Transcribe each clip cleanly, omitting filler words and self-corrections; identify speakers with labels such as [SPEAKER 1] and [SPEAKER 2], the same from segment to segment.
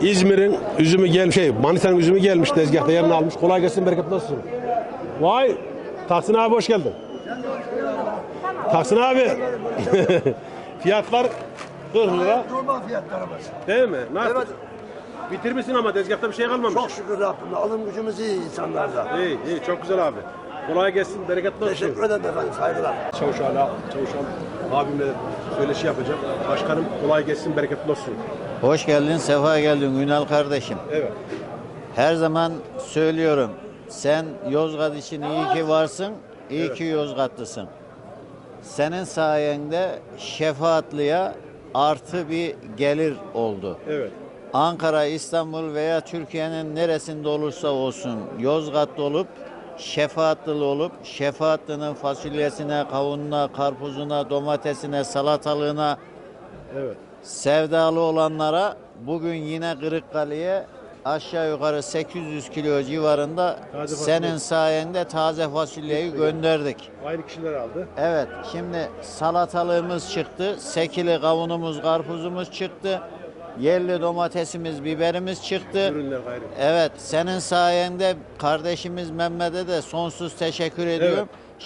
[SPEAKER 1] İzmir'in üzümü Manisa'nın üzümü gelmiş tezgahta yerini almış. Kolay gelsin, bereketli olsun. Vay, Tahsin abi hoş geldin. Tahsin abi. Fiyatlar 40 lira.
[SPEAKER 2] Normal fiyatlarımız.
[SPEAKER 1] Değil mi? Nasıl?
[SPEAKER 2] Evet.
[SPEAKER 1] Bitirmişsin ama tezgahta bir şey kalmamış.
[SPEAKER 2] Çok şükür Rabbim. Alım gücümüz iyi insanlarda.
[SPEAKER 1] İyi, çok güzel abi. Kolay gelsin, bereketli olsun.
[SPEAKER 2] Teşekkür ederim efendim. Saygılar.
[SPEAKER 1] Çavuşan abimle söyleşi yapacağım. Başkanım kolay gelsin, bereketli olsun.
[SPEAKER 3] Hoş geldin, sefa geldin Ünal kardeşim.
[SPEAKER 1] Evet.
[SPEAKER 3] Her zaman söylüyorum, sen Yozgat için iyi ki varsın, iyi ki Yozgatlısın. Senin sayende Şefaatlı'ya artı bir gelir oldu.
[SPEAKER 1] Evet.
[SPEAKER 3] Ankara, İstanbul veya Türkiye'nin neresinde olursa olsun Yozgatlı olup, Şefaatlılı olup, Şefaatlı'nın fasulyesine, kavununa, karpuzuna, domatesine, salatalığına
[SPEAKER 1] Evet.
[SPEAKER 3] sevdalı olanlara bugün yine Kırıkkale'ye aşağı yukarı 800 kilo civarında
[SPEAKER 1] Taze
[SPEAKER 3] senin
[SPEAKER 1] fasulye.
[SPEAKER 3] sayende taze fasulyeyi gönderdik.
[SPEAKER 1] Aynı kişiler aldı.
[SPEAKER 3] Evet, şimdi salatalığımız çıktı, sekili kavunumuz, karpuzumuz çıktı, yerli domatesimiz, biberimiz çıktı.
[SPEAKER 1] Ürünler gayrı.
[SPEAKER 3] Evet, senin sayende kardeşimiz Mehmet'e de sonsuz teşekkür ediyorum.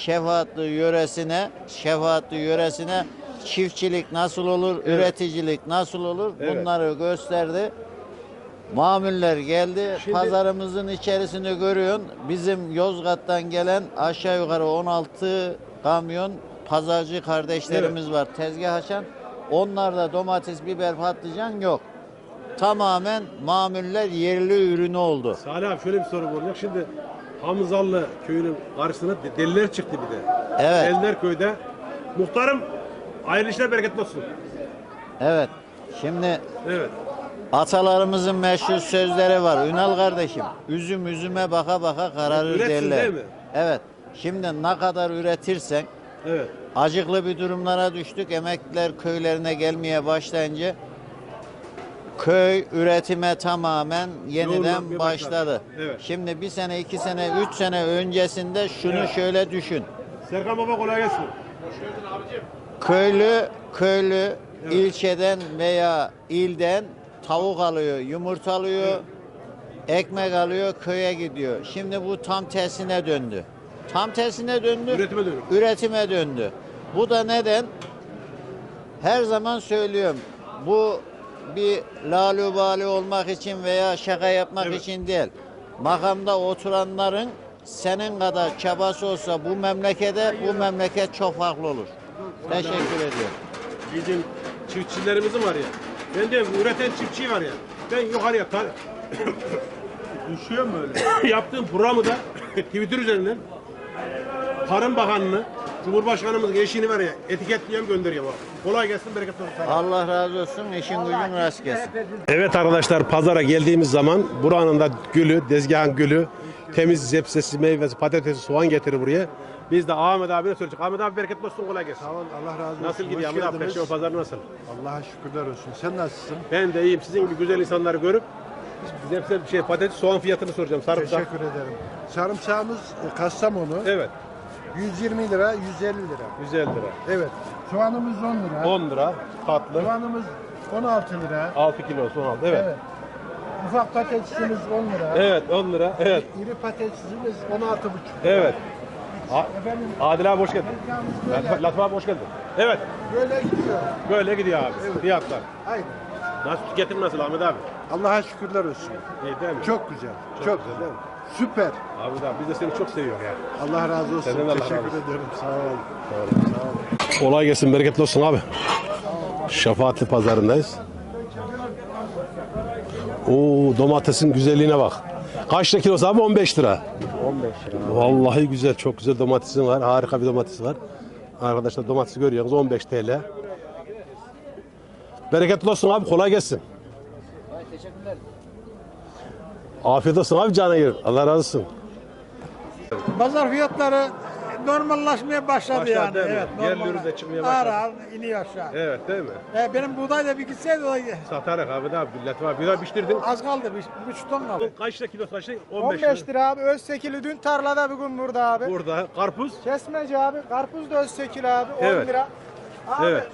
[SPEAKER 3] Şefaatli yöresine çiftçilik nasıl olur, üreticilik nasıl olur
[SPEAKER 1] Evet.
[SPEAKER 3] bunları gösterdi. Mamuller geldi.
[SPEAKER 1] Şimdi-
[SPEAKER 3] Pazarımızın içerisini görüyorsun. Bizim Yozgat'tan gelen aşağı yukarı 16 kamyon pazarcı kardeşlerimiz var. Tezgah açan. Onlarda domates, biber, patlıcan yok. Tamamen mamuller yerli ürünü oldu.
[SPEAKER 1] Salih abi şöyle bir soru olacak. Şimdi Hamzalı köyünün karşısına deliler çıktı bir de.
[SPEAKER 3] Evet.
[SPEAKER 1] Deliler köyde. Muhtarım hayırlı işler, bereketli olsun.
[SPEAKER 3] Evet. Şimdi
[SPEAKER 1] Evet.
[SPEAKER 3] atalarımızın meşhur sözleri var. Ünal kardeşim, üzüm üzüme baka baka kararır
[SPEAKER 1] Üretsin
[SPEAKER 3] derler.
[SPEAKER 1] değil mi?
[SPEAKER 3] Evet. Şimdi ne kadar üretirsen
[SPEAKER 1] Evet.
[SPEAKER 3] acıklı bir durumlara düştük. Emekliler köylerine gelmeye başlayınca köy üretime tamamen yeniden
[SPEAKER 1] Yoğunlanmaya başladı.
[SPEAKER 3] başladı.
[SPEAKER 1] Evet.
[SPEAKER 3] Şimdi bir sene, 2 sene, 3 sene öncesinde şunu
[SPEAKER 1] Evet.
[SPEAKER 3] şöyle düşün.
[SPEAKER 1] Serkan baba kolay gelsin.
[SPEAKER 3] Köylü ilçeden veya ilden tavuk alıyor, yumurta alıyor, ekmek alıyor, köye gidiyor. Şimdi bu tam tersine döndü. Tam tersine döndü.
[SPEAKER 1] Üretime dönüyor.
[SPEAKER 3] Üretime döndü. Bu da neden? Her zaman söylüyorum. Bu bir lalubali olmak için veya şaka yapmak
[SPEAKER 1] Evet.
[SPEAKER 3] için değil. Makamda oturanların senin kadar çabası olsa bu memleket çok farklı olur. Teşekkür ediyorum.
[SPEAKER 1] Bizim çiftçilerimizin var ya. Ben diyorum üreten çiftçi var ya. Ben yukarıya düşüyorum böyle. Yaptığım programı da Twitter üzerinden Tarım Bakanı'nı, Cumhurbaşkanımızın eşini var ya etiketliyorum, gönderiyorum abi. Kolay gelsin, bereketli olsun.
[SPEAKER 3] Allah razı olsun. İşin gücün rast gelsin.
[SPEAKER 1] Evet arkadaşlar, pazara geldiğimiz zaman buranın da gülü, tezgahın gülü, temiz zepsesi, meyvesi, patatesi, soğan getirir buraya. Biz de Ahmet abiye söyleyecek. Ahmet abi bereketli olsun, kolay gelsin.
[SPEAKER 4] Sağ olun, Allah razı olsun.
[SPEAKER 1] Nasıl gidiyor
[SPEAKER 4] Hoş
[SPEAKER 1] Ahmet abi?
[SPEAKER 4] geldiniz.
[SPEAKER 1] Perşembe pazarı nasıl?
[SPEAKER 4] Allah'a şükürler olsun. Sen nasılsın?
[SPEAKER 1] Ben de iyiyim. Sizin gibi güzel insanları görüp zepse patates, soğan fiyatını soracağım. Sarımsak.
[SPEAKER 4] Teşekkür ederim. Sarımsağımız Kastamonu.
[SPEAKER 1] Evet.
[SPEAKER 4] 120 lira, 150 lira.
[SPEAKER 1] 150 lira.
[SPEAKER 4] Evet. Soğanımız 10 lira.
[SPEAKER 1] 10 lira. Tatlı.
[SPEAKER 4] Soğanımız 16 lira.
[SPEAKER 1] 6 kilo soğan aldı. Evet.
[SPEAKER 4] Evet. Ufak patatesimiz 10 lira.
[SPEAKER 1] Evet 10 lira. Evet.
[SPEAKER 4] İri patatesimiz 16,5 lira.
[SPEAKER 1] Evet.
[SPEAKER 4] Efendim,
[SPEAKER 1] Adil abi hoş geldin.
[SPEAKER 4] tezgahımız böyle,
[SPEAKER 1] Latif abi hoş geldin. Evet.
[SPEAKER 4] böyle gidiyor.
[SPEAKER 1] Böyle gidiyor abi. Fiyatlar.
[SPEAKER 4] Aynen.
[SPEAKER 1] Nasıl, tüketim nasıl Ahmet abi?
[SPEAKER 4] Allah'a şükürler olsun.
[SPEAKER 1] İyi değil mi?
[SPEAKER 4] Çok güzel.
[SPEAKER 1] Çok güzel değil mi?
[SPEAKER 4] Süper.
[SPEAKER 1] Ahmet abi biz de seni çok seviyoruz ya.
[SPEAKER 4] Allah razı olsun.
[SPEAKER 1] Senden de Allah
[SPEAKER 4] Teşekkür
[SPEAKER 1] razı olsun.
[SPEAKER 4] ederim. Sağ olun.
[SPEAKER 1] Kolay gelsin, bereketli olsun abi. Şefaatli pazarındayız. Oo, domatesin güzelliğine bak. Kaç lira kilosu abi? 15 lira.
[SPEAKER 3] 15 lira.
[SPEAKER 1] Vallahi güzel, çok güzel domatesin var. Harika bir domates var. Arkadaşlar domatesi görüyorsunuz 15 TL. Bereketli olsun abi, kolay gelsin.
[SPEAKER 3] Teşekkürler.
[SPEAKER 1] Afiyet olsun abi, canı yer. Allah razı olsun.
[SPEAKER 5] Pazar fiyatları normallaşmaya başladı,
[SPEAKER 1] Başladı
[SPEAKER 5] yani.
[SPEAKER 1] değil mi?
[SPEAKER 5] Evet,
[SPEAKER 1] Yerli
[SPEAKER 5] normal.
[SPEAKER 1] ürün de çıkmaya başladı.
[SPEAKER 5] Ağır ağır iniyor aşağı.
[SPEAKER 1] Evet değil mi?
[SPEAKER 5] Benim buğday da bir gitseydi o
[SPEAKER 1] Satarız abi de abi. Latif abi bir daha piştirdin.
[SPEAKER 5] az kaldı, bir buçuk ton kaldı.
[SPEAKER 1] Kaç lira kilosu, kaç lira?
[SPEAKER 5] 15 lira abi, Özsekili dün tarlada bugün burada abi.
[SPEAKER 1] Burada karpuz.
[SPEAKER 5] Kesmeci abi, karpuz da Özsekili abi, 10
[SPEAKER 1] Evet.
[SPEAKER 5] lira. Abi,
[SPEAKER 1] Evet.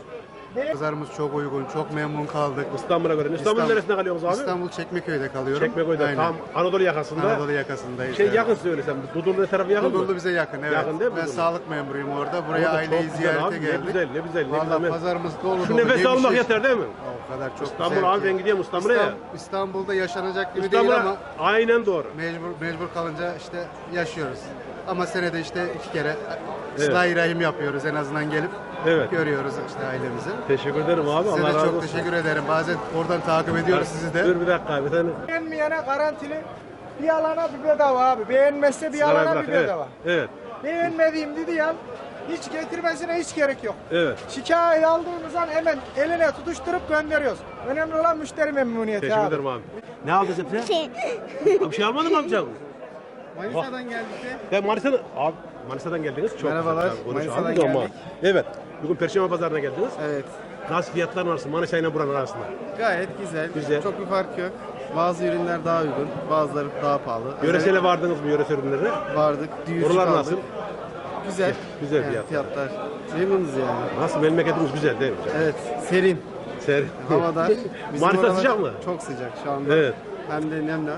[SPEAKER 4] Pazarımız çok uygun, çok memnun kaldık.
[SPEAKER 1] İstanbul'a göre. İstanbul'un neresinde kalıyorsunuz abi?
[SPEAKER 4] İstanbul Çekmeköy'de kalıyorum.
[SPEAKER 1] Çekmeköy'de
[SPEAKER 4] Aynen.
[SPEAKER 1] tam Anadolu yakasında.
[SPEAKER 4] Anadolu yakasındayız.
[SPEAKER 1] Şey
[SPEAKER 4] evet.
[SPEAKER 1] yakın söylesem. Dudullu tarafı yakın
[SPEAKER 4] Dudullu
[SPEAKER 1] mı?
[SPEAKER 4] bize yakın, evet.
[SPEAKER 1] Yakın değil mi
[SPEAKER 4] Ben
[SPEAKER 1] Dudullu?
[SPEAKER 4] sağlık memuruyum orada. Buraya
[SPEAKER 1] Orada
[SPEAKER 4] aileyi
[SPEAKER 1] çok güzel
[SPEAKER 4] ziyarete
[SPEAKER 1] abi,
[SPEAKER 4] geldik.
[SPEAKER 1] Ne güzel, ne güzel. Ne
[SPEAKER 4] Vallahi
[SPEAKER 1] güzel.
[SPEAKER 4] pazarımız dolu
[SPEAKER 1] Şu
[SPEAKER 4] dolu.
[SPEAKER 1] nefes almak
[SPEAKER 4] yemişiz.
[SPEAKER 1] yeter değil mi?
[SPEAKER 4] O kadar çok
[SPEAKER 1] İstanbul
[SPEAKER 4] güzel
[SPEAKER 1] abi
[SPEAKER 4] ki.
[SPEAKER 1] ben gidiyorum İstanbul'a ya.
[SPEAKER 4] İstanbul'da yaşanacak gibi değil
[SPEAKER 1] İstanbul'a
[SPEAKER 4] ama
[SPEAKER 1] aynen doğru.
[SPEAKER 4] mecbur kalınca işte yaşıyoruz. Ama senede işte 2 kere Sıla-i Rahim yapıyoruz en azından gelip
[SPEAKER 1] Evet.
[SPEAKER 4] görüyoruz işte ailemizi.
[SPEAKER 1] Teşekkür ederim abi.
[SPEAKER 4] Size
[SPEAKER 1] Allah
[SPEAKER 4] de
[SPEAKER 1] razı
[SPEAKER 4] çok
[SPEAKER 1] olsun.
[SPEAKER 4] teşekkür ederim. Bazen oradan takip ediyoruz sizi de.
[SPEAKER 1] Dur bir dakika abi. Sen
[SPEAKER 5] Beğenmeyene garantili bir alana bir bedava abi. Beğenmezse bir
[SPEAKER 1] sigarayı
[SPEAKER 5] alana
[SPEAKER 1] bırak.
[SPEAKER 5] bir
[SPEAKER 1] Evet.
[SPEAKER 5] bedava.
[SPEAKER 1] Evet.
[SPEAKER 5] Beğenmediğim dedi ya hiç getirmesine hiç gerek yok.
[SPEAKER 1] Evet.
[SPEAKER 5] Şikayet aldığımız an hemen eline tutuşturup gönderiyoruz. Önemli olan müşteri memnuniyeti
[SPEAKER 1] Teşekkür
[SPEAKER 5] abi.
[SPEAKER 1] ederim abi. Ne aldın sen? Bir şey almadın mı amcam?
[SPEAKER 5] Manisa'dan geldik de.
[SPEAKER 1] Ben Manisa'dan... Abi Manisa'dan geldiniz. Çok
[SPEAKER 5] Merhabalar,
[SPEAKER 1] güzel. Konuş
[SPEAKER 5] Manisa'dan
[SPEAKER 1] abi, ama.
[SPEAKER 5] geldik.
[SPEAKER 1] Evet. Bugün Perşembe Pazarı'na geldiniz.
[SPEAKER 6] Evet,
[SPEAKER 1] Nasıl fiyatlar arası? Manisa ile buranın arasında.
[SPEAKER 6] gayet güzel.
[SPEAKER 1] Güzel.
[SPEAKER 6] Çok bir fark yok. Bazı ürünler daha uygun, bazıları daha pahalı.
[SPEAKER 1] Yöresele vardınız mı yöresel ürünlerine?
[SPEAKER 6] Vardık, düğüsü
[SPEAKER 1] Oralar
[SPEAKER 6] kaldık.
[SPEAKER 1] nasıl?
[SPEAKER 6] Güzel.
[SPEAKER 1] Güzel
[SPEAKER 6] Yani
[SPEAKER 1] fiyatlar.
[SPEAKER 6] fiyatlar. Memnunuz yani.
[SPEAKER 1] Nasıl? Memleketimiz güzel değil mi?
[SPEAKER 6] Evet, serin.
[SPEAKER 1] Ser.
[SPEAKER 6] Havada. Bizim
[SPEAKER 1] Manisa
[SPEAKER 6] oralar
[SPEAKER 1] sıcak mı?
[SPEAKER 6] Çok sıcak şu anda.
[SPEAKER 1] Evet.
[SPEAKER 6] Hem de nemli var.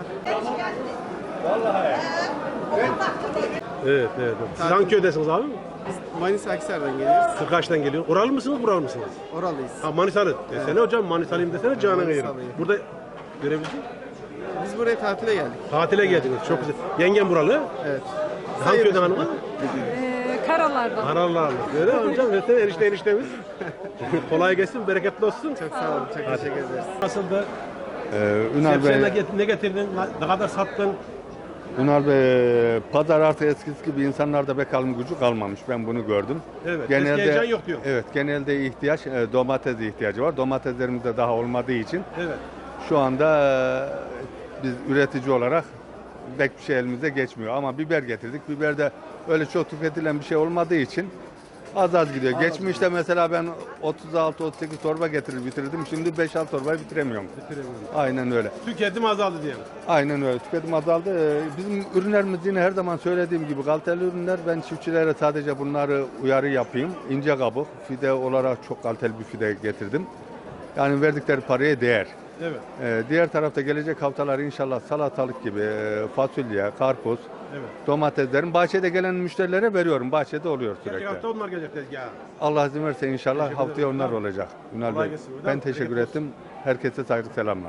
[SPEAKER 1] Evet, evet. Siz hangi köydesiniz abi?
[SPEAKER 6] Biz Manisa Akhisar'dan geliyoruz.
[SPEAKER 1] Kırkaç'tan geliyor. Oralı mısınız, buralı mısınız?
[SPEAKER 6] Oralıyız.
[SPEAKER 1] Ha Manisalı. Desene hocam Manisalıyım desene canına yerim.
[SPEAKER 6] Manisalıyım.
[SPEAKER 1] Burada görebildin.
[SPEAKER 6] Biz buraya tatile geldik.
[SPEAKER 1] Tatile geldiniz. Çok güzel. Yengem buralı.
[SPEAKER 6] Evet.
[SPEAKER 1] Hangi köyden hanımı?
[SPEAKER 7] Karalardan.
[SPEAKER 1] Karalarlı. Öyle mi hocam? Desene eniştemiz. Kolay gelsin, bereketli olsun.
[SPEAKER 6] Çok sağ olun, çok teşekkür ederiz.
[SPEAKER 1] Nasıldı?
[SPEAKER 8] Ünal
[SPEAKER 1] Sebze
[SPEAKER 8] Bey,
[SPEAKER 1] ne getirdin? Ne kadar sattın?
[SPEAKER 8] Ünal Bey, pazar artık eskisi gibi insanlarda pek alım gücü kalmamış. Ben bunu gördüm.
[SPEAKER 1] Evet, eski heyecan yok diyor.
[SPEAKER 8] Evet, genelde ihtiyaç domates ihtiyacı var. Domateslerimizde daha olmadığı için
[SPEAKER 1] Evet.
[SPEAKER 8] şu anda biz üretici olarak pek bir şey elimize geçmiyor. Ama biber getirdik. Biber de öyle çok tüketilen bir şey olmadığı için az gidiyor. Geçmişte mesela ben 36-38 torba getirir bitirdim. Şimdi 5-6 torbayı bitiremiyorum. Aynen öyle.
[SPEAKER 1] Tüketim azaldı diyelim.
[SPEAKER 8] Aynen öyle. Tüketim azaldı. Bizim ürünlerimiz yine her zaman söylediğim gibi kaliteli ürünler. Ben çiftçilere sadece bunları uyarı yapayım. İnce kabuk, fide olarak çok kaliteli bir fide getirdim. Yani verdikleri paraya değer.
[SPEAKER 1] Evet.
[SPEAKER 8] Diğer tarafta gelecek haftalar inşallah salatalık gibi, fasulye, karpuz,
[SPEAKER 1] Evet.
[SPEAKER 8] domateslerin bahçede gelen müşterilere veriyorum. Bahçede oluyor
[SPEAKER 1] Gelecek
[SPEAKER 8] sürekli.
[SPEAKER 1] hafta onlar gelecek tezgaha.
[SPEAKER 8] Allah izin verirse inşallah
[SPEAKER 1] Teşekkür
[SPEAKER 8] haftaya
[SPEAKER 1] ederim.
[SPEAKER 8] onlar olacak. Ünal
[SPEAKER 1] Kolay
[SPEAKER 8] Bey.
[SPEAKER 1] gelsin.
[SPEAKER 8] Ben teşekkür
[SPEAKER 1] Bereketli
[SPEAKER 8] ettim. Herkese saygı selamlar.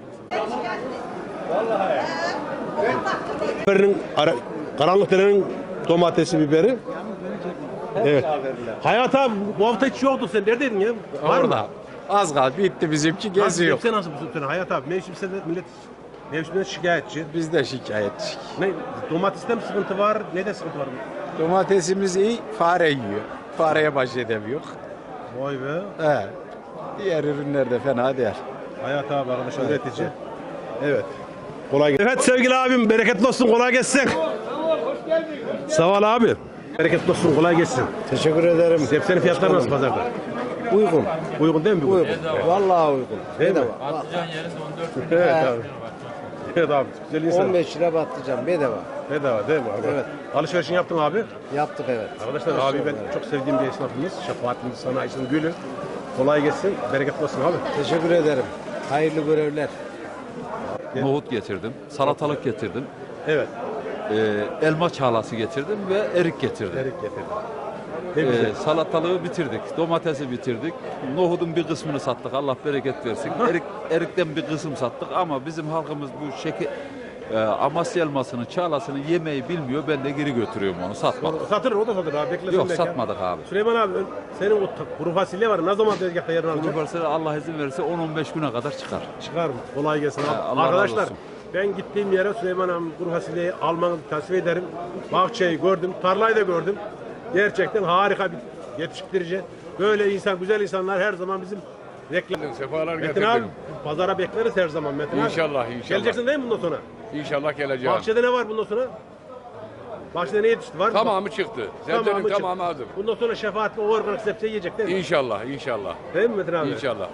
[SPEAKER 1] Karanlık derenin domatesi, biberi. Evet. Hayat abi bu hafta hiç yoktu sen. Neredeydin ya? Var mı?
[SPEAKER 9] Orada. Az kaldı bitti bizimki geziyor.
[SPEAKER 1] Sen nasıl bu sene Hayat abi? Mevsimsel millet mevsimden şikayetçi.
[SPEAKER 9] Biz de şikayetçi.
[SPEAKER 1] Ne domateste mi sıkıntı var? Ne de sıkıntı var?
[SPEAKER 9] Domatesimiz iyi, fare yiyor. Fareye baş edemiyor.
[SPEAKER 1] Vay be.
[SPEAKER 9] He. Diğer ürünler de fena değil.
[SPEAKER 1] Hayat abi arkadaşlar üretici. Evet. Kolay gelsin. Evet sevgili abim bereketli olsun kolay gelsin. Sağ ol abi. Bereketli olsun kolay gelsin.
[SPEAKER 2] Teşekkür ederim.
[SPEAKER 1] Sebzenin fiyatları nasıl pazarda?
[SPEAKER 2] Uygun.
[SPEAKER 1] Uygun değil mi?
[SPEAKER 2] Uygun. Vallahi uygun.
[SPEAKER 1] Değil mi? Evet abi. Evet abi. Güzel insan.
[SPEAKER 2] 15 lira patlıcan bedava.
[SPEAKER 1] Bedava değil mi abi?
[SPEAKER 2] Evet.
[SPEAKER 1] Alışverişini yaptın abi.
[SPEAKER 2] Yaptık evet.
[SPEAKER 1] Arkadaşlar abi ben çok sevdiğim bir esnafımız. Şefaatimiz sanayisinin gülü. Kolay gelsin. Bereketli olsun abi.
[SPEAKER 2] Teşekkür ederim. Hayırlı görevler.
[SPEAKER 10] Nohut getirdim, salatalık getirdim,
[SPEAKER 1] Evet.
[SPEAKER 10] elma çağlası getirdim ve erik getirdim.
[SPEAKER 1] Erik getirdim. Ne güzel.
[SPEAKER 10] Salatalığı bitirdik, domatesi bitirdik, nohudun bir kısmını sattık, Allah bereket versin. Erikten bir kısım sattık ama bizim halkımız bu Amasya elmasının çağlasını yemeyi bilmiyor, ben de geri götürüyorum onu, satmadık.
[SPEAKER 1] Satır o da satır abi. Beklesin
[SPEAKER 10] Yok
[SPEAKER 1] belki.
[SPEAKER 10] satmadık abi.
[SPEAKER 1] Süleyman abi senin o kuru fasulye var. Ne zaman tezgahta yerini alacak?
[SPEAKER 10] Bunu varsa Allah izin verirse 10-15 güne kadar çıkar.
[SPEAKER 1] Çıkar mı? Kolay gelsin abi.
[SPEAKER 10] Allah razı
[SPEAKER 1] Arkadaşlar
[SPEAKER 10] olsun.
[SPEAKER 1] ben gittiğim yere Süleyman abi kuru fasulyeyi almanızı tavsiye ederim. Bahçeyi gördüm, tarlayı da gördüm. Gerçekten harika bir yetiştirici. Böyle insan, güzel insanlar her zaman bizim reklam.
[SPEAKER 11] Sefalar
[SPEAKER 1] Metin
[SPEAKER 11] getirdim.
[SPEAKER 1] abi pazara bekleriz her zaman Metin abi.
[SPEAKER 11] İnşallah.
[SPEAKER 1] Geleceksin değil mi bundan sonra?
[SPEAKER 11] İnşallah geleceğim.
[SPEAKER 1] Bahçede ne var bundan sonra? Bahçede ne yetişti? Var mı?
[SPEAKER 11] Tamamı çıktı. Sebzenin
[SPEAKER 1] çıktı.
[SPEAKER 11] tamamı hazır.
[SPEAKER 1] Bundan sonra şefaatli o organik sebze yiyecek değil mi?
[SPEAKER 11] İnşallah, inşallah.
[SPEAKER 1] Değil mi Metin abi?
[SPEAKER 11] İnşallah.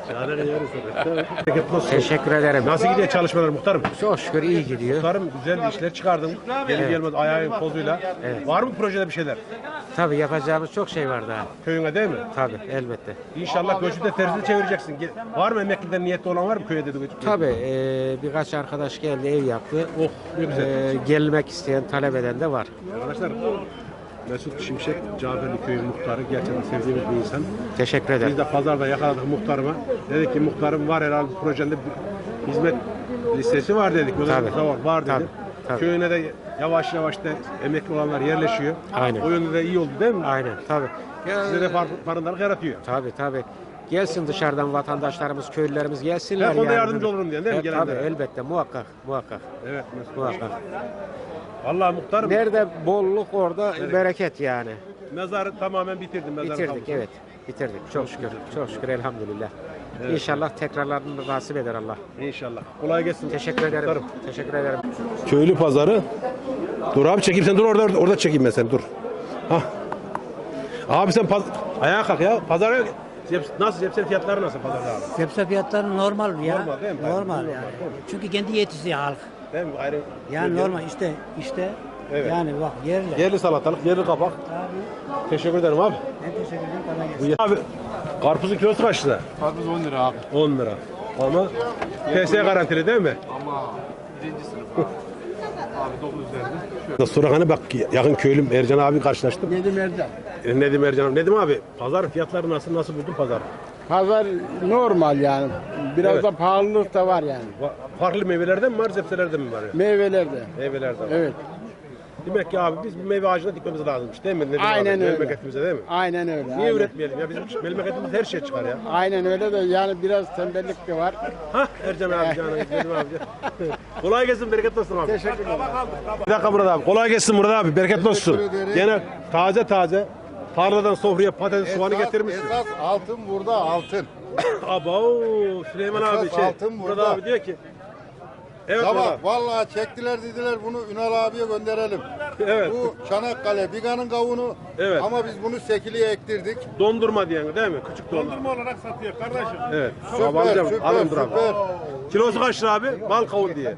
[SPEAKER 1] Şahane yeriz. Bereketli olsun.
[SPEAKER 5] Teşekkür ederim.
[SPEAKER 1] Nasıl gidiyor çalışmalar muhtarım?
[SPEAKER 5] Çok şükür iyi gidiyor.
[SPEAKER 1] Muhtarım güzel işler çıkardın. Gelir gelmez ayağın pozuyla. Var mı projede bir şeyler?
[SPEAKER 5] Tabii yapacağımız çok şey var daha.
[SPEAKER 1] Köyüne değil mi?
[SPEAKER 5] Tabii elbette.
[SPEAKER 1] İnşallah göçü de tersine çevireceksin. Var mı emekliden niyetli olan var mı köyde de?
[SPEAKER 5] Tabii birkaç arkadaş geldi ev yaptı.
[SPEAKER 1] Oh ne güzel.
[SPEAKER 5] Gelmek isteyen talep eden de var.
[SPEAKER 1] Arkadaşlar Mesut Şimşek, Caferli Köyü muhtarı. Gerçekten sevdiğimiz bir insan.
[SPEAKER 5] Teşekkür ederim.
[SPEAKER 1] Biz de pazarda yakaladık muhtarıma. Dedik ki muhtarım var herhalde projende bir hizmet listesi var dedik.
[SPEAKER 5] Tabii.
[SPEAKER 1] Var dedi.
[SPEAKER 5] Tabii, tabii.
[SPEAKER 1] Köyüne de yavaş yavaş da emekli olanlar yerleşiyor.
[SPEAKER 5] Aynen.
[SPEAKER 1] O yönde de iyi oldu değil mi?
[SPEAKER 5] Aynen tabii.
[SPEAKER 1] Size de farkındalık yaratıyor.
[SPEAKER 5] Tabii. Gelsin dışarıdan vatandaşlarımız, köylülerimiz gelsinler.
[SPEAKER 1] Her konuda yardımcı olurum diye değil mi?
[SPEAKER 5] Tabii
[SPEAKER 1] Gelenlere?
[SPEAKER 5] elbette muhakkak.
[SPEAKER 1] Evet Mesut.
[SPEAKER 5] Muhakkak.
[SPEAKER 1] Vallahi muhtarım
[SPEAKER 5] Nerede bolluk orada bereket yani.
[SPEAKER 1] mezarı tamamen bitirdim. Mezarı
[SPEAKER 5] Bitirdik
[SPEAKER 1] kalmış.
[SPEAKER 5] evet. Bitirdik. Çok şükür. Çok şükür elhamdülillah. İnşallah tekrarlarını nasip eder Allah.
[SPEAKER 1] İnşallah. Kolay gelsin.
[SPEAKER 5] Teşekkür ederim.
[SPEAKER 1] Muhtarım.
[SPEAKER 5] Teşekkür ederim.
[SPEAKER 1] Köylü pazarı. Dur abi çekeyim sen dur orada çekeyim ben seni dur. Hah. Abi sen ayağa kalk ya. Pazara nasıl sebze fiyatları nasıl pazarda abi?
[SPEAKER 12] Sebze fiyatları normal ya.
[SPEAKER 1] Normal değil mi?
[SPEAKER 12] Normal
[SPEAKER 1] Normal,
[SPEAKER 12] yani.
[SPEAKER 1] normal.
[SPEAKER 12] Çünkü kendi yetişiyor halk.
[SPEAKER 1] Değil mi? Ayrı.
[SPEAKER 12] Yani normal işte
[SPEAKER 1] Evet.
[SPEAKER 12] yani bak yerli.
[SPEAKER 1] Yerli salatalık, yerli kabak.
[SPEAKER 12] Abi
[SPEAKER 1] Teşekkür ederim abi.
[SPEAKER 12] ben teşekkür ederim. Kolay gelsin.
[SPEAKER 1] Abi karpuzun kilosu kaç lira?
[SPEAKER 6] Karpuz 10 lira abi.
[SPEAKER 1] 10 lira. Ama PS garantili değil mi?
[SPEAKER 6] Ama birinci sınıf abi. Abi 9 üzerinde.
[SPEAKER 1] Sonra hani bak yakın köylüm Ercan abi karşılaştım.
[SPEAKER 6] Nedim Erdem.
[SPEAKER 1] Nedim Ercan. Nedim abi pazar fiyatları nasıl buldun pazar?
[SPEAKER 6] Pazar normal yani. Biraz
[SPEAKER 1] Evet.
[SPEAKER 6] da pahalılık da var yani.
[SPEAKER 1] Farklı meyvelerden mi var, sebzelerden mi var?
[SPEAKER 6] Meyvelerde.
[SPEAKER 1] Meyvelerden var.
[SPEAKER 6] Evet.
[SPEAKER 1] Demek ki abi biz bir meyve ağacına dikmemiz lazımmış değil mi? Nedim
[SPEAKER 6] Aynen
[SPEAKER 1] abi?
[SPEAKER 6] öyle.
[SPEAKER 1] Memleketimize değil mi?
[SPEAKER 6] Aynen öyle.
[SPEAKER 1] Niye
[SPEAKER 6] aynen.
[SPEAKER 1] üretmeyelim ya? Bizim memleketimiz her şey çıkar ya.
[SPEAKER 6] Aynen öyle de yani biraz tembellik de var.
[SPEAKER 1] Hah Ercan abi canım Nedim abi. Kolay gelsin bereketli olsun abi.
[SPEAKER 6] Teşekkür ederim.
[SPEAKER 1] Bir dakika Murat abi. Kolay gelsin Murat abi. Bereketli olsun.
[SPEAKER 4] Teşekkür ederim.
[SPEAKER 1] Gene taze tarladan sofraya patates soğanı getirmişsin.
[SPEAKER 4] Esas altın burada altın.
[SPEAKER 1] Abo Süleyman abi
[SPEAKER 4] Esas altın
[SPEAKER 1] Murat
[SPEAKER 4] burada.
[SPEAKER 1] abi diyor ki evet Murat
[SPEAKER 4] Sabah
[SPEAKER 1] abi.
[SPEAKER 4] vallahi çektiler dediler bunu Ünal abiye gönderelim.
[SPEAKER 1] Evet.
[SPEAKER 4] Bu Çanakkale Biga'nın kavunu.
[SPEAKER 1] Evet.
[SPEAKER 4] Ama biz bunu Sekili'ye ektirdik.
[SPEAKER 1] Dondurma diyen değil mi? Küçük dondurma.
[SPEAKER 6] olarak satıyor kardeşim.
[SPEAKER 1] Evet.
[SPEAKER 4] Süper,
[SPEAKER 1] Abi alacağım.
[SPEAKER 4] süper,
[SPEAKER 1] Alın dur abi.
[SPEAKER 4] süper.
[SPEAKER 1] Kilosu kaç lira abi? Bal kavun diye.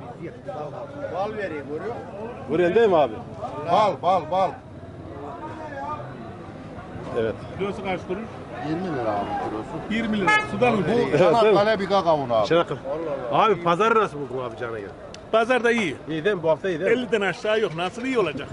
[SPEAKER 4] Bal vereyim görüyor.
[SPEAKER 1] Buraya değil mi abi?
[SPEAKER 4] Bal.
[SPEAKER 1] Evet.
[SPEAKER 6] Kilosu kaç kuruş?
[SPEAKER 4] 20 lira abi kilosu.
[SPEAKER 6] 20 lira. Sudan ucuz.
[SPEAKER 4] Bu Çanakkale Biga kavunu abi.
[SPEAKER 1] Çanakkale. Abi pazarı nasıl buldun abi cana göre?
[SPEAKER 6] Pazar da iyi.
[SPEAKER 1] İyi değil mi? Bu hafta iyi değil mi?
[SPEAKER 6] 50'den aşağı yok. Nasıl iyi olacak?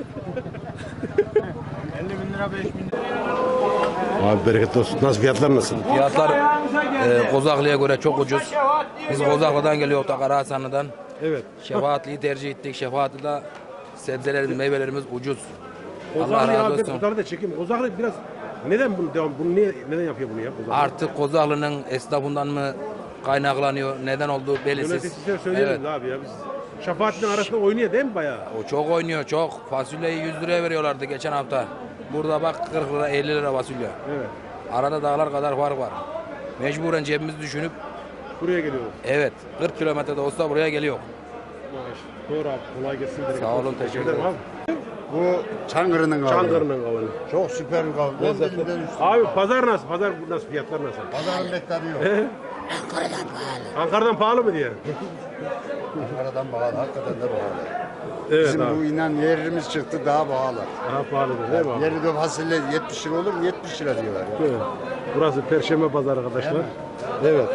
[SPEAKER 4] 50 bin lira 5 bin lira.
[SPEAKER 1] Abi bereketli olsun. Nasıl fiyatlar nasıl?
[SPEAKER 9] Fiyatlar Kozaklı'ya göre çok ucuz. Biz Kozaklı'dan geliyoruz da Karahasanlı'dan.
[SPEAKER 1] Evet.
[SPEAKER 9] Şefaatli'yi tercih ettik. Şefaatli'de sebzelerimiz, meyvelerimiz ucuz. Allah
[SPEAKER 1] Kozaklı
[SPEAKER 9] razı
[SPEAKER 1] abi
[SPEAKER 9] olsun.
[SPEAKER 1] Kozaklı da çekeyim. Kozaklı biraz neden bunu neden yapıyor bunu ya? Kozaklı?
[SPEAKER 9] Artık Kozaklı'nın esnafından mı kaynaklanıyor, neden olduğu belirsiz.
[SPEAKER 1] Yöneticiler söyleyelim
[SPEAKER 9] Evet.
[SPEAKER 1] abi ya biz. Şefaat'in arasında oynuyor değil mi bayağı?
[SPEAKER 9] O çok oynuyor, çok. Fasulyeyi 100 liraya veriyorlardı geçen hafta. Burada bak 40 lira, 50 lira fasulye.
[SPEAKER 1] Evet.
[SPEAKER 9] Arada dağlar kadar fark var. Mecburen cebimizi düşünüp,
[SPEAKER 1] Buraya geliyoruz.
[SPEAKER 9] evet 40 kilometrede olsa buraya geliyor.
[SPEAKER 1] Doğru abi. Kolay gelsin.
[SPEAKER 9] Sağ olun, teşekkür ederim.
[SPEAKER 1] abi.
[SPEAKER 4] Bu Çankırı'nın kavunu.
[SPEAKER 1] Çankırı'nın kavunu.
[SPEAKER 4] Çok süper bir kavun.
[SPEAKER 1] Lezzetli.
[SPEAKER 4] 10 binden üstü.
[SPEAKER 1] Abi pazar nasıl? Pazar nasıl? Fiyatlar nasıl?
[SPEAKER 4] Pazarın beklediği yok.
[SPEAKER 1] Ankara'dan pahalı mı diye?
[SPEAKER 4] Ankara'dan pahalı. Hakikaten de pahalı.
[SPEAKER 1] Evet
[SPEAKER 4] Bizim
[SPEAKER 1] abi.
[SPEAKER 4] bu inan yerimiz çıktı daha pahalı.
[SPEAKER 1] Daha pahalıdır değil mi abi?
[SPEAKER 4] Yeri de fasulye 70 lira olur mu? 70 lira diyorlar. Ya.
[SPEAKER 1] Evet. Burası Perşembe Pazarı arkadaşlar. Evet.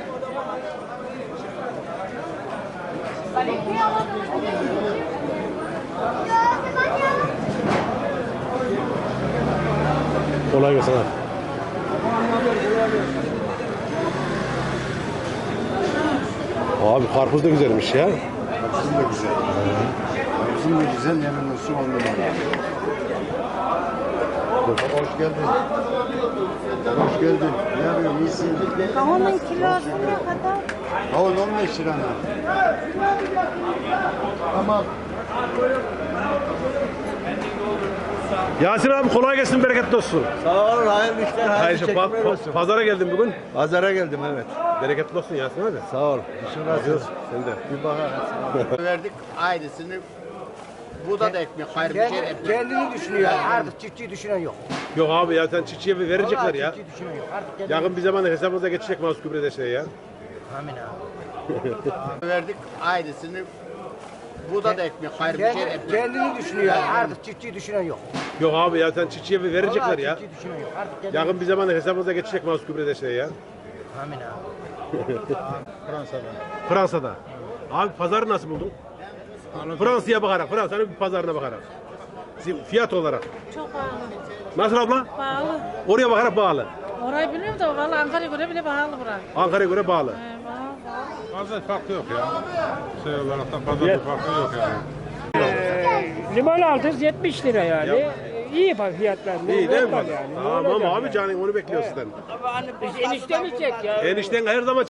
[SPEAKER 1] Kolay gelsin abi. Abi karpuz da güzelmiş ya.
[SPEAKER 4] Bizim de güzel. Bizim de güzel yemin olsun 10 numara. Hoş geldin. Hoş geldin. Ne yapıyorsun? İyisin.
[SPEAKER 7] Kavunun kilosu ne kadar?
[SPEAKER 4] Kavun 15 lira. Tamam.
[SPEAKER 1] Yasin abi kolay gelsin, bereketli olsun.
[SPEAKER 2] Sağ olun, hayırlı işler,
[SPEAKER 1] Hayır, pazara geldim bugün.
[SPEAKER 2] Pazara geldim evet.
[SPEAKER 1] Bereketli olsun Yasin abi.
[SPEAKER 2] Sağ ol. İşin razı olsun.
[SPEAKER 1] Sen de.
[SPEAKER 2] Bir bakalım.
[SPEAKER 4] Verdik ailesini. Bu da ekmek. Hayır bir şey ekmek.
[SPEAKER 12] Kendini düşünüyor. Artık çiftçiyi düşünen yok.
[SPEAKER 1] Yok abi ya sen çiftçiye verecekler ya.
[SPEAKER 12] Çiftçi düşünen yok. Artık
[SPEAKER 1] Yakın bir zamanda hesabımıza geçecek Mahsus Gübre'de şey ya.
[SPEAKER 12] Amin abi.
[SPEAKER 2] Verdik ailesini. Bu da ekmek, hayır bir şey ekmek.
[SPEAKER 12] Kendini düşünüyor. Artık çiftçiyi düşünen yok.
[SPEAKER 1] Yok abi ya sen çiftçiye verecekler
[SPEAKER 12] Vallahi
[SPEAKER 1] ya.
[SPEAKER 12] çiftçiyi düşünen yok. Artık kendini...
[SPEAKER 1] Yakın bir zamanda hesabımıza geçecek Mahsus Gübre'de şey ya.
[SPEAKER 12] Amin abi.
[SPEAKER 1] Fransa'da. Abi pazarı nasıl buldun? Fransa'ya bakarak, Fransa'nın bir pazarına bakarak. Fiyat olarak.
[SPEAKER 7] Çok pahalı.
[SPEAKER 1] Nasıl abla?
[SPEAKER 7] Pahalı.
[SPEAKER 1] Oraya bakarak bağlı.
[SPEAKER 7] Orayı bilmiyorum da valla Ankara'ya göre bile pahalı burası.
[SPEAKER 1] Ankara'ya göre bağlı.
[SPEAKER 7] Pahalı.
[SPEAKER 6] Fazla farkı yok ya. Şey olaraktan fazla bir farkı yok yani.
[SPEAKER 12] Limon aldınız 70 lira yani. İyi fiyatlar.
[SPEAKER 1] İyi değil mi?
[SPEAKER 12] Normal yani. Ne
[SPEAKER 1] Tamam
[SPEAKER 12] olacak
[SPEAKER 1] abi
[SPEAKER 12] yani?
[SPEAKER 1] canım onu bekliyor sizden.
[SPEAKER 12] Biz enişte mi çek ya?
[SPEAKER 1] Enişten her zaman